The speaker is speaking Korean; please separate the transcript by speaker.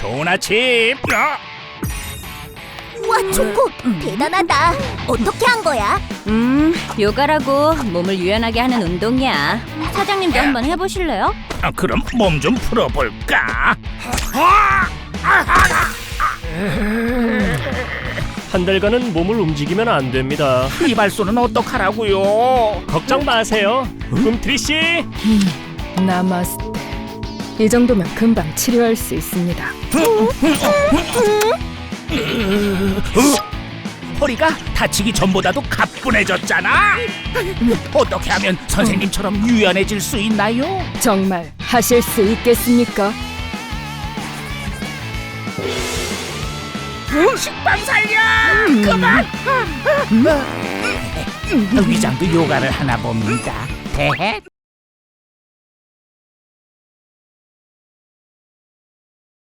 Speaker 1: 좋은 아침.
Speaker 2: 우와, 초코 대단하다. 어떻게 한 거야?
Speaker 3: 요가라고 몸을 유연하게 하는 운동이야. 사장님도 한번 해보실래요?
Speaker 1: 그럼 몸 좀 풀어볼까?
Speaker 4: 한 달간은 몸을 움직이면 안 됩니다.
Speaker 1: 이발소는 어떡하라고요?
Speaker 4: 걱정 마세요. 꿈트리 씨.
Speaker 5: 나마스테. 이 정도면 금방 치료할 수 있습니다.
Speaker 1: 허리가 다치기 전보다도 가뿐해졌잖아. 어떻게 하면 선생님처럼 유연해질 수 있나요?
Speaker 5: 정말 하실 수 있겠습니까?
Speaker 1: 식빵 살려! 그만! 위장도 요가를 하나 봅니다. 대해